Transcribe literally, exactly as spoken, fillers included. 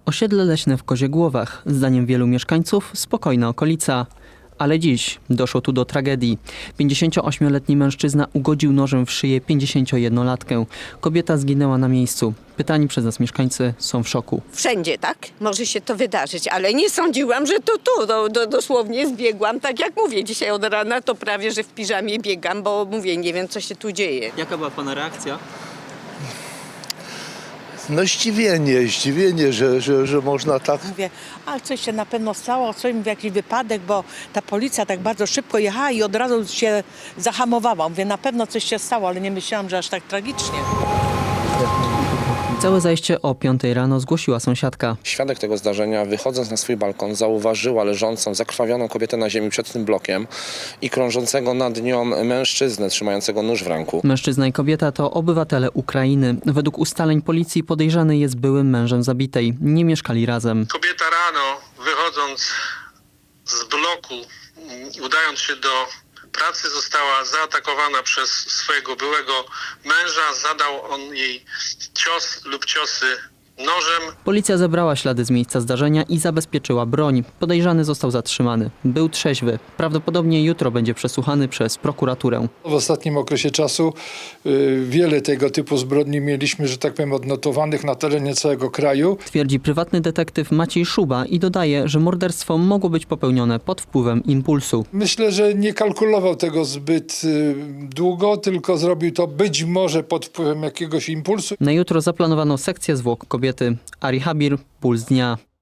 Osiedle leśne w Koziegłowach. Zdaniem wielu mieszkańców spokojna okolica. Ale dziś doszło tu do tragedii. pięćdziesięcioośmioletni mężczyzna ugodził nożem w szyję pięćdziesięciojednolatkę. Kobieta zginęła na miejscu. Pytani przez nas mieszkańcy są w szoku. Wszędzie tak może się to wydarzyć, ale nie sądziłam, że to tu. Do, do, dosłownie zbiegłam, tak jak mówię, dzisiaj od rana to prawie, że w piżamie biegam, bo mówię, nie wiem, co się tu dzieje. Jaka była pana reakcja? No zdziwienie, zdziwienie, że, że, że można tak. Mówię, ale coś się na pewno stało, coś mówię, jakiś wypadek, bo ta policja tak bardzo szybko jechała i od razu się zahamowała. Mówię, na pewno coś się stało, ale nie myślałam, że aż tak tragicznie. Całe zajście o piątej rano zgłosiła sąsiadka. Świadek tego zdarzenia, wychodząc na swój balkon, zauważyła leżącą, zakrwawioną kobietę na ziemi przed tym blokiem i krążącego nad nią mężczyznę trzymającego nóż w ręku. Mężczyzna i kobieta to obywatele Ukrainy. Według ustaleń policji podejrzany jest byłym mężem zabitej. Nie mieszkali razem. Kobieta rano, wychodząc z bloku, udając się do pracy, została zaatakowana przez swojego byłego męża. Zadał on jej cios lub ciosy nożem. Policja zebrała ślady z miejsca zdarzenia i zabezpieczyła broń. Podejrzany został zatrzymany. Był trzeźwy. Prawdopodobnie jutro będzie przesłuchany przez prokuraturę. W ostatnim okresie czasu y, wiele tego typu zbrodni mieliśmy, że tak powiem, odnotowanych na terenie całego kraju. Twierdzi prywatny detektyw Maciej Szuba i dodaje, że morderstwo mogło być popełnione pod wpływem impulsu. Myślę, że nie kalkulował tego zbyt y, długo, tylko zrobił to być może pod wpływem jakiegoś impulsu. Na jutro zaplanowano sekcję zwłok kobiety. Ari Habir, Puls Dnia.